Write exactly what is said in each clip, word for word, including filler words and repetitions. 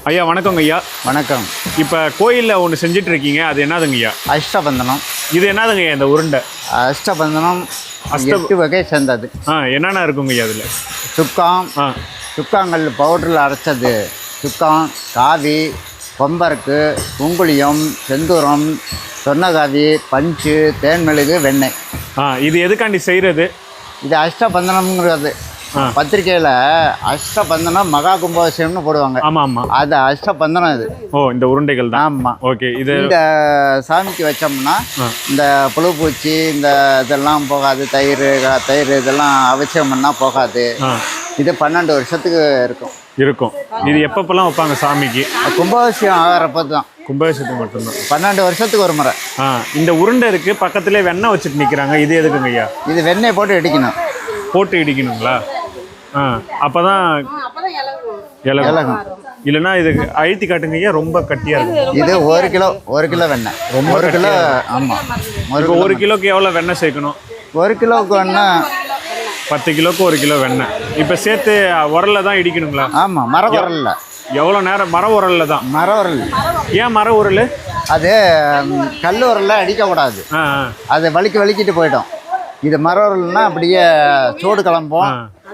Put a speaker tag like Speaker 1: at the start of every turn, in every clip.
Speaker 1: ஐயா வணக்கங்க ஐயா.
Speaker 2: வணக்கம்.
Speaker 1: இப்போ கோயிலில் ஒன்று செஞ்சுட்டு இருக்கீங்க, அது என்னதுங்க ஐயா?
Speaker 2: அஷ்டபந்தனம்.
Speaker 1: இது என்னதுங்க ஐயா இந்த உருண்டை?
Speaker 2: அஷ்டபந்தனம்
Speaker 1: அஷ்ட
Speaker 2: எட்டு வகை சேர்ந்தது.
Speaker 1: ஆ என்னென்ன இருக்குங்க ஐயா அதில்?
Speaker 2: சுக்காம்,
Speaker 1: ஆ
Speaker 2: சுக்காங்கல் பவுடரில் அரைச்சது, சுக்காம், காவி, கொம்பருக்கு, குங்குளியம், செந்தூரம், சொன்னகாவி, பஞ்சு, தேன்மெழுகு, வெண்ணெய்.
Speaker 1: ஆ இது எதுக்காண்டி செய்கிறது?
Speaker 2: இது அஷ்டபந்தனம்ங்கிறது பத்திரிக்கையில் அஷ்டபந்தனம் மகா கும்பாபிஷேகம்னு போடுவாங்க.
Speaker 1: ஆமாம் ஆமாம்,
Speaker 2: அது அஷ்டபந்தனம். இது
Speaker 1: ஓ இந்த உருண்டைகள் தான்.
Speaker 2: ஆமாம்.
Speaker 1: ஓகே. இது
Speaker 2: இந்த சாமிக்கு வச்சோம்னா இந்த புழுப்பூச்சி இந்த இதெல்லாம் போகாது. தயிர் தயிர் இதெல்லாம் அவசியம் பண்ணால் போகாது. இது பன்னெண்டு வருஷத்துக்கு இருக்கும்
Speaker 1: இருக்கும் இது எப்பப்பெல்லாம் வைப்பாங்க சாமிக்கு?
Speaker 2: கும்பாபிஷேகம் ஆகிறப்ப தான்.
Speaker 1: கும்பாபிஷேகத்துக்கு மட்டும்தான்.
Speaker 2: பன்னெண்டு வருஷத்துக்கு ஒரு முறை.
Speaker 1: ஆ இந்த உருண்டை இருக்குது, பக்கத்துலேயே வெண்ணெய் வச்சுட்டு நிற்கிறாங்க. இது எதுக்குங்க ஐயா?
Speaker 2: இது வெண்ணெய் போட்டு இடிக்கணும்.
Speaker 1: போட்டு இடிக்கணுங்களா? ஆ அப்போ தான் இலகும். இல்லைன்னா இதுக்கு அழுத்தி காட்டுங்க ஐயா, ரொம்ப கட்டியாக இருக்கும்.
Speaker 2: இது ஒரு கிலோ ஒரு கிலோ வெண்ணெய். ரொம்ப ஒரு கிலோ. ஆமாம்.
Speaker 1: ஒரு ஒரு கிலோக்கு எவ்வளோ வெண்ணெய் சேர்க்கணும்?
Speaker 2: ஒரு கிலோவுக்கு வெண்ணெய்
Speaker 1: பத்து கிலோக்கு ஒரு கிலோ வெண்ணெய். இப்போ சேர்த்து உரலில் தான் இடிக்கணுங்களா?
Speaker 2: ஆமாம், மர உரலில்.
Speaker 1: எவ்வளோ நேரம்? மர உரலில் தான்.
Speaker 2: மர உரல்.
Speaker 1: ஏன் மர உரல்?
Speaker 2: அது கல் உரலில் அடிக்கக்கூடாது.
Speaker 1: ஆ
Speaker 2: அது வலிக்கு வலிக்கிட்டு போயிடும். இது மர உரல்னா அப்படியே சூடு கிளம்போம்.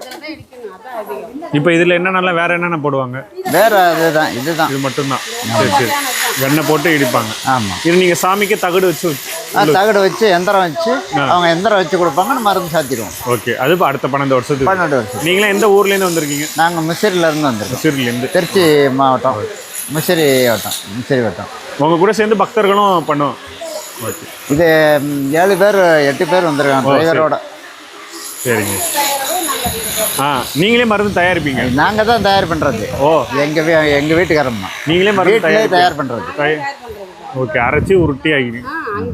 Speaker 1: இப்போ இதில் என்னென்னலாம் வேறு என்னென்ன போடுவாங்க?
Speaker 2: வேறு இதுதான் இதுதான்
Speaker 1: இது மட்டும்தான். சரி சரி. வெண்ணெய் போட்டு இடிப்பாங்க.
Speaker 2: ஆமாம்.
Speaker 1: இது நீங்கள் சாமிக்கு தகடு வச்சு
Speaker 2: தகடு வச்சு எந்திரம் வச்சு அவங்க எந்திரம் வச்சு கொடுப்பாங்க. மருந்து சாத்திடுவோம்.
Speaker 1: ஓகே. அது இப்போ அடுத்த பன்னெண்டு வருஷத்துக்கு.
Speaker 2: பன்னெண்டு வருஷம்.
Speaker 1: நீங்களே எந்த ஊர்லேருந்து வந்திருக்கீங்க?
Speaker 2: நாங்கள் முசிறிலேருந்து வந்திருக்கோம்.
Speaker 1: முசிறிலேருந்து.
Speaker 2: திருச்சி மாவட்டம், முசிறி வட்டம். முசிறி வட்டம்.
Speaker 1: உங்கள் கூட சேர்ந்து பக்தர்களும் பண்ணுவோம். ஓகே.
Speaker 2: இது ஏழு பேர் எட்டு பேர் வந்திருக்காங்க டிரைவரோட.
Speaker 1: சரிங்க. ஆ நீங்களே மருந்து தயாரிப்பீங்க?
Speaker 2: நாங்கள் தான் தயார் பண்ணுறது.
Speaker 1: ஓ
Speaker 2: எங்கள் வீ எங்கள் வீட்டுக்காரம்மா
Speaker 1: நீங்களே மருந்து
Speaker 2: வீட்டிலே தயார் பண்ணுறது.
Speaker 1: ஓகே. அரைச்சி உருட்டி ஆகிடுங்க.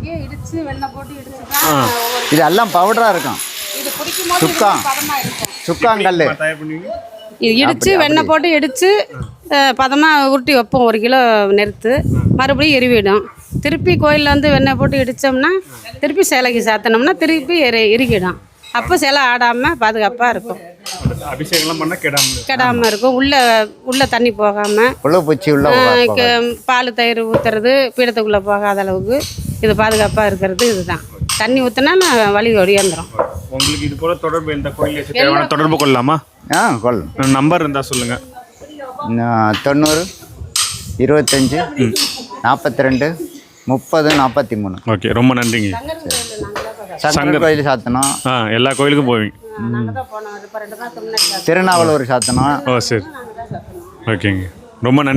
Speaker 2: இது எல்லாம் பவுடராக இருக்கும். சுக்காம், சுக்காங்கல்
Speaker 1: தயார் பண்ணுவீங்க.
Speaker 3: இடித்து வெண்ணெய் போட்டு இடித்து பதமாக உருட்டி வைப்போம். ஒரு கிலோ நெருத்து மறுபடியும் எரிவிடும். திருப்பி கோயிலில் வந்து வெண்ணெய் போட்டு இடித்தோம்னா திருப்பி சேலைக்கு சாத்தினோம்னா திருப்பி எரி இறுக்கிடும். அப்போ சிலை ஆடாமல் பாதுகாப்பாக இருக்கும்.
Speaker 1: அபிஷேகம்லாம் பண்ணால் கெடாமல்
Speaker 3: கெடாமல் இருக்கும். உள்ளே உள்ளே தண்ணி போகாமல்,
Speaker 2: புழு பூச்சி உள்ள
Speaker 3: பால் தயிர் ஊற்றுறது பீடத்துக்குள்ளே போகாத அளவுக்கு இது பாதுகாப்பாக இருக்கிறது. இதுதான். தண்ணி ஊற்றினா வழி ஒடியாந்துடும்.
Speaker 1: உங்களுக்கு இது போல் தொடர்பு எந்த கோயிலில் தேவையான தொடர்பு கொள்ளலாமா?
Speaker 2: ஆ கொள்ளலாம்.
Speaker 1: நம்பர் இருந்தால் சொல்லுங்கள்.
Speaker 2: தொண்ணூறு இருபத்தஞ்சி நாற்பத்தி ரெண்டு முப்பது நாற்பத்தி மூணு.
Speaker 1: ஓகே, ரொம்ப நன்றிங்க.
Speaker 2: சங்கர் கோயில் சாத்தணும்.
Speaker 1: ஆ எல்லா கோயிலுக்கும் போவீங்க?
Speaker 2: திருநாவலூர் சாத்தணும்.
Speaker 1: ஓ சரி. ஓகேங்க, ரொம்ப நன்றி.